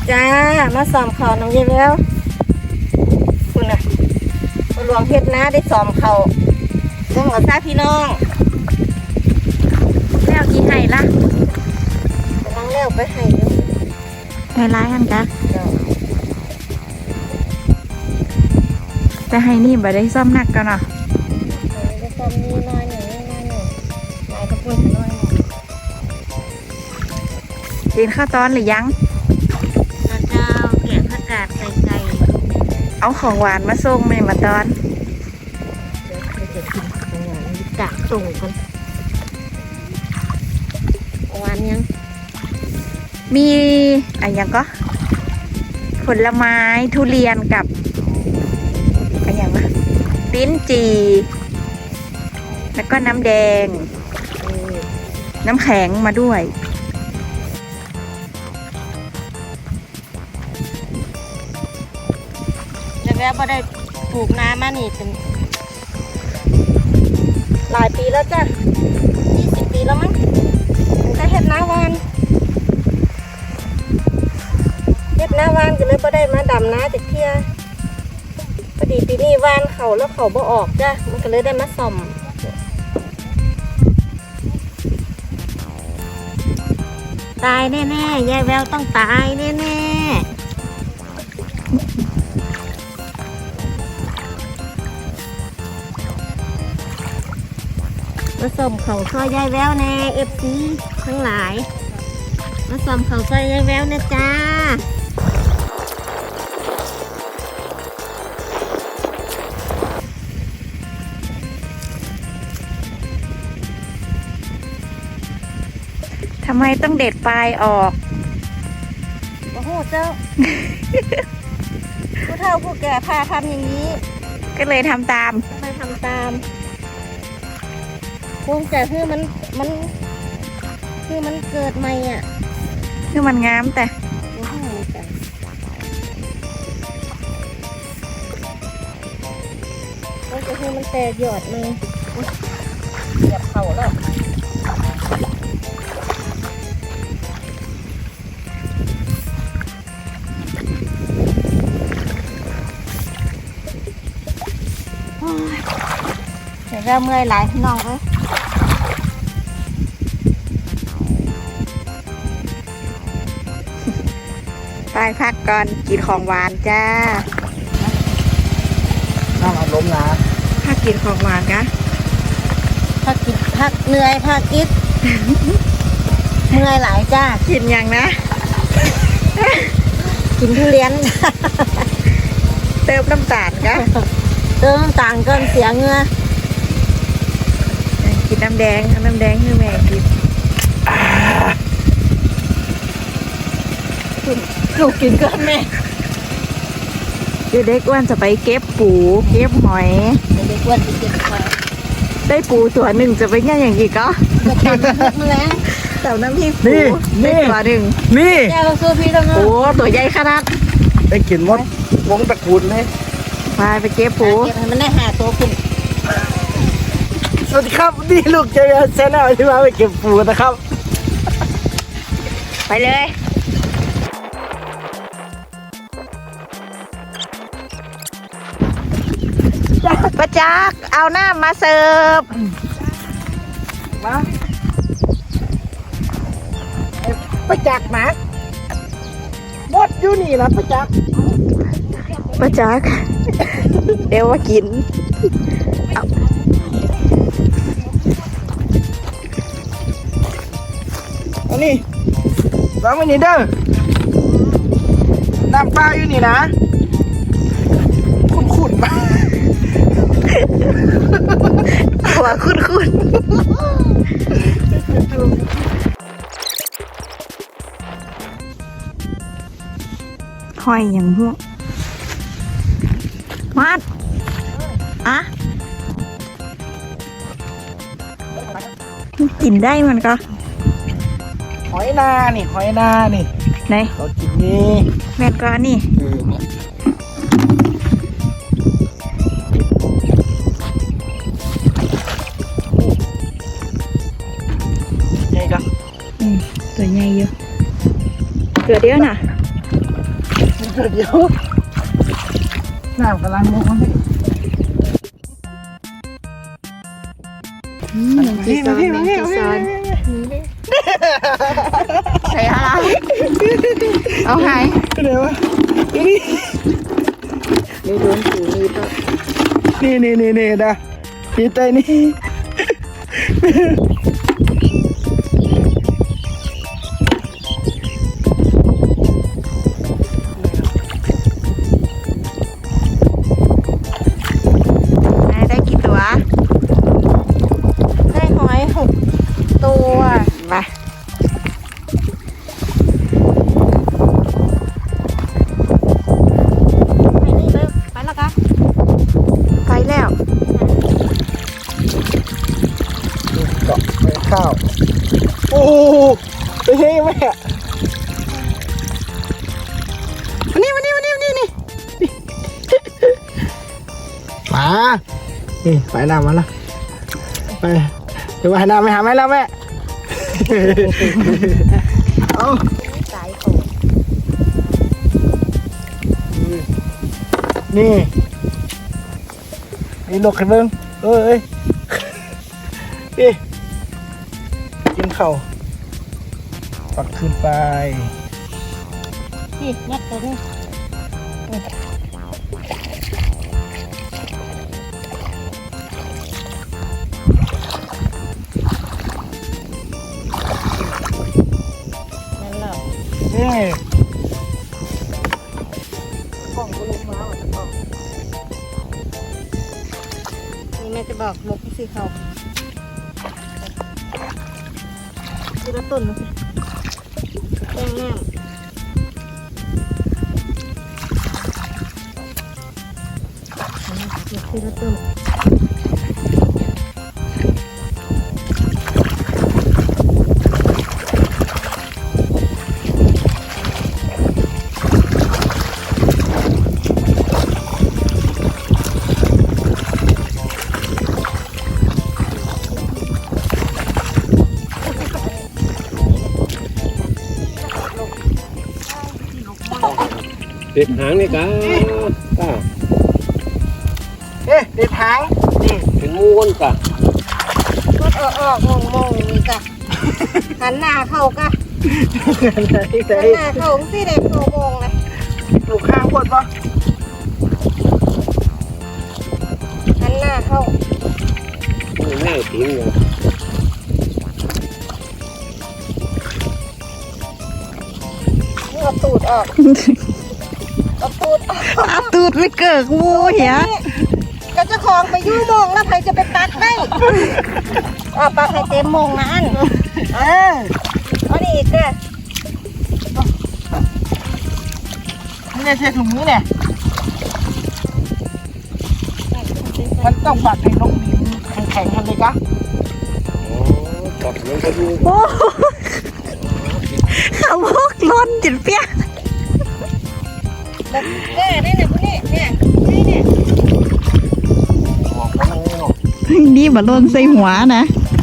จ้ามาซ้อมเขาน้องเยแล้วคุณน่ะมาหลวงเพชรนะได้ซ้อมเขาเรื่องของซาพี่น้องแล้วกี่ไห่ละกำลังเลี้ยวไปให้อยู่ไห่ร้ายกันกะแต่ไห่นี่บ่ได้ซ่อมหนักกันเนาะได้ซ้อมนี่น้อยหนึ่งน้อยหนึ่งนายกระปุ้นน้อยหนึ่งกินข้าวตอนหรือยังข้าวเจ้าแกงผักกาดใส่ไก่เอาของหวานมาส่งไหมมาตอนเดี๋ยวเราจะกินของหวานกะส่งกันหวานยังมีอะไรยังก็ผลไม้ทุเรียนกับอะไรอย่างวะลิ้นจี่แล้วก็น้ำแดงน้ำแข็งมาด้วยแล้วก็ได้ปลูกน้ำมานี่เป็นหลายปีแล้วจ้ะ20 ปีแล้วมั้งแต่เฮ็ดน้าวานก็เลยบ่ได้มาดำน้าจากเที่ยพอดีปีนี้วานเขาแล้วเขาบ่ออกจ้ะมันก็เลยได้มาส่อมตายแน่ๆยายแววต้องตายแน่ๆมาส่อมเขาซอยยายแววแน่FCทั้งหลายมาส่อมเขาซอยยายแววนะจ้าทำไมต้องเด็ดปลายออกโอ้โหเจ้า ผู้เฒ่าผู้แก่พาทำอย่างนี้ก็เลยทำตามไปทำตามคงแต่คือมันคือมันเกิดใหม่อ่ะคือมันงามแต่โอ้โหก็จะคือมันแตกยอดเลยเหยียบเข่าแล้วเดี๋ยวเราเมื่อยหลายพี่น้องเลยไปพักก่อนกินของหวานจ้าน้ำอารมณ์นะพักกินของหวานกะพักเหนื่อยพักกิน เมื่อยหลายจ้ากินยังนะกินทุเรียนเติมน้ำตาลกะเติมน้ำตาลก่อนเสียเหงื่อกินน้ำแดงให้แม่กินลูกกินก่อนแม่เด็กอ้วนจะไปเก็บปูเก็บหอยเด็กอ้วนไปเก็บหอยได้ปูตัวหนึ่งจะไปง่ายอย่างกี่ก็จะทำน้ำพริกมาแล้วแต่น้ำพริกปูได้ตัวหนึ่งนี่แก้วซื้อพี่ต้องโอ้ตัวใหญ่ขนาดได้กินมดวงตระกูลเลยไปเก็บปูเก็บให้มันได้5 ตัวคุณสวัสดีครับนี่ลูกเจริญเซนเอาที่มาไปเก็บปูนะครับไปเลยประจักษ์เอาหน้ามาเสิร์ฟมาประจักษ์นะมดอยู่นี่นะประจักษ์เดี๋ยวว่ากินอันนี้วางไว้นี่เด้อน้ำปลาอยู่นี่นะขุ่นๆมาหัวคุ้นหอยอย่างพวกมัดอะกินได้มันก็หอยนานี่ไหนเรากินนี่แม่ก็นี่ไงกันตัวใหญ่อยู่เกิดเดียวน่ะเดี๋ยวน้ำกำลังลงมาพี่แมงจีซอนแมงจีซอนใส่อะไรเอาไงเดี๋ยวนี่ไม่โดนถือมีดป่ะนี่นะพี่ใจนี่ได้กี่ตัวได้หอย6 ตัวมาไปนี่เลยไปแล้วกันไปแล้วเกาะไปข้าวโอ้ไปเฮ้ยแม่นี่มานี่ไปน้ำมาแล้วไปเดี๋ยวไปน้ำไปหาแม่แล้วแม่เอาสายของนี่ลกให้เบิ้งเอ้ยนี่กินข้าวปักขึ้นไปนี่ยัดตัวนี้นั่นแหละนี่กล่องก็ลุกมาแล้วกล่องนี่แม่จะบอกหมกสิเขาทีละต้นนะแป้งน้ำทีละต้นเด็ดหางนี่กะก้าเด็ดหางนี่เป็นมูนกะก็ออกมองนี่จ้ะหันหน้าเข้ากะหันหน้าเข้าสิเด็กเข้ามองเลยลูกข้างปวดปะหันหน้าเข้าแม่ทิ้งอยู่เอาตูดออกเอาตูดออกอาตูดไม่เกิกงูเหี้ยก็เจะคลองไปยู่มองแล้วใครจะไปตักได้เอาปลาไข่เต็มมองนะอันเอานี่อีกเด้อนี่ใช่ถุงนี้เนี่ยมันต้องปัดให้ลงดินแข็งๆกันเลยกะโอ้ตบลงไปดูโอ้เขาพวกล้นจิตเปี้ยแบบเนี่ยพวกนี้เนี่ยออกมาแล้วเนาะนี่มาล้นใส่หัวนะ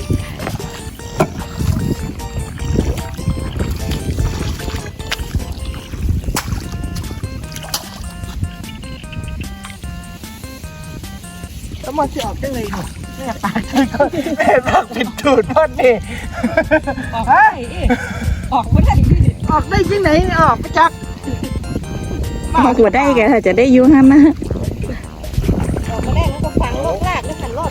แล้วมันจะออกได้เลยหนูแม่ปากแม่ปากปิดตูดพ่นนี่ออกได้ออกไม่ได้ออกได้ที่ไหนออกไปจักเอาหัวได้แกถ้าจะได้อยุ่งฮันนะออกมาได้แล้วก็ฝังลกลากแล้วขันรอด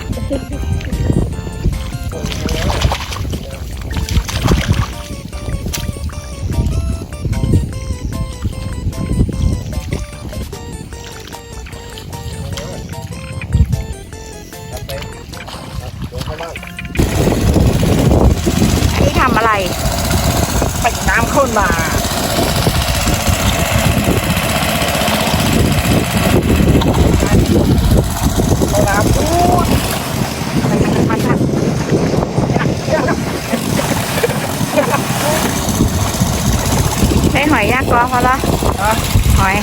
อันนี้ทำอะไรไปน้ำข้นมาเอาน้ำพูดได้หอยยากกอพอละหอย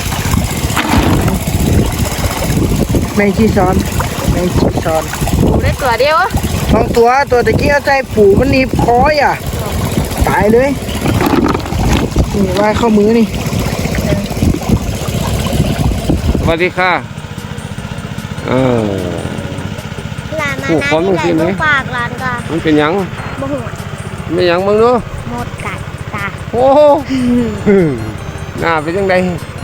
แมงจีซอนปูได้ตัวเดียวบางตัวตะกี้เอาใจปู่มันหนีบคอยอ่ะตายเลยนี่ว่ายเข้ามือนี่วัสดีค่ะหลานมาผู้คนมันสิไหมฝากหลานก็มันเป็นหยังบ่ฮู้ไม่หยังมึงเนาะหมดกัดตาโอ้โหหน้าเป็นยังไง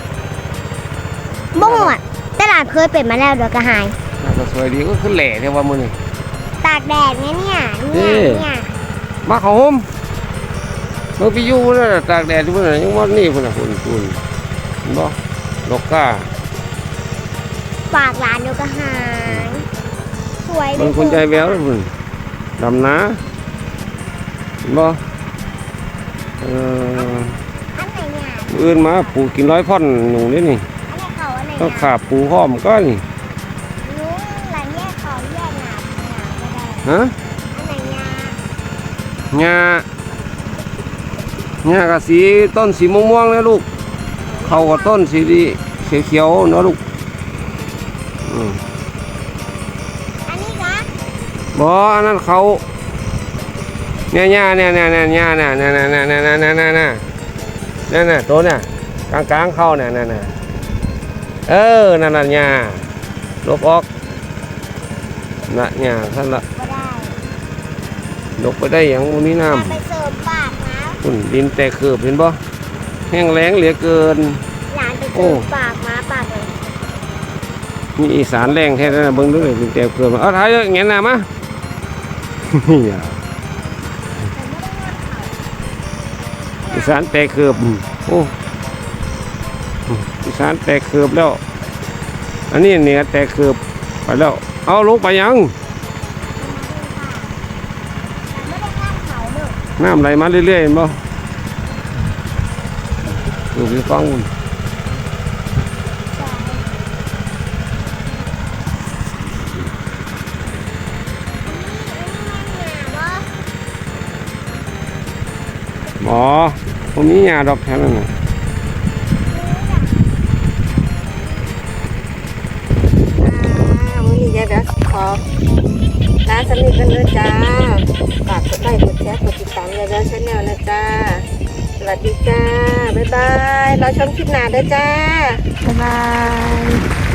บ่ฮู้แต่หลานเคยเป็นมาแล้วเดี๋ยวก็หายหน้าก็สวยดีก็ขึ้นแหล่เท่ว่ามึงนี่ตากแดดเนี่ยมาเขาห่มมึงไปอยู่แล้วตากแดดที่พุ่นน่ะยังว่านี่พุ่นน่ะพุ่นเห็นบ่ดอกก้าฝากหลานเดี๋ยวก็หายสวยมันคนใจแววพุ่นดำนาเห็นบ่อันไหนเนี่ยอื่นมาปลูกกิน100 พ่อนหนูนี่นี่อันไหนเขาอันไหนต้องขาบปูห้อมก็นี่ลุงหลานแยกเขาแยกหนาไม่ได้ฮะอันไหนเนี่ยหญ้ากับสีต้นสีม่วงๆนะลูกเข้ากับต้นสีเขียวๆเนาะลูกอืมอันนี้คะบ่อันนั้นเขาเนี่ยหญ้าเนี่ยหญ้าน่ะนั่นตัวน่ะกลางเข้าน่ะนั่นน่ะนั่นน่ะหญ้าลบออกน่ะหญ้าท่านละไม่ได้ลบไปได้อย่างบ่มีน้ำไปเสริมปากนะฝุ่นดินแตกเขือบเห็นบ่แห้งแล้งเหลือเกินหลานไปเสริมปากมาปากเลยมีอีสานแรงแท้ๆนะเบิ่งดูเลยดินแตกเขือบเอาถ่ายเลยเงี้ยหน้ามา อีสานแตกเขือบโอ้อีสานแตกเขือบแล้ว อันนี้เหนือแตกเขือบไปแล้วเอาลงไปยังไม่ได้ข้ามเขาเด้อน้ำไหลมาเรื่อยๆเห็นบ่ดูพี่ฟังมันหมอผมมียาดอกแค่นั้นน่ะมื้อนี้ยายแบบขอร้านสนิทกันเลยจ้าฝากกดไลค์กดแชร์กดติดตามยายแบบชาแนลนะจ้าสวัสดีจ้าบ๊ายบายเราชมคลิปหน้าเด้อจ้าบ๊ายบาย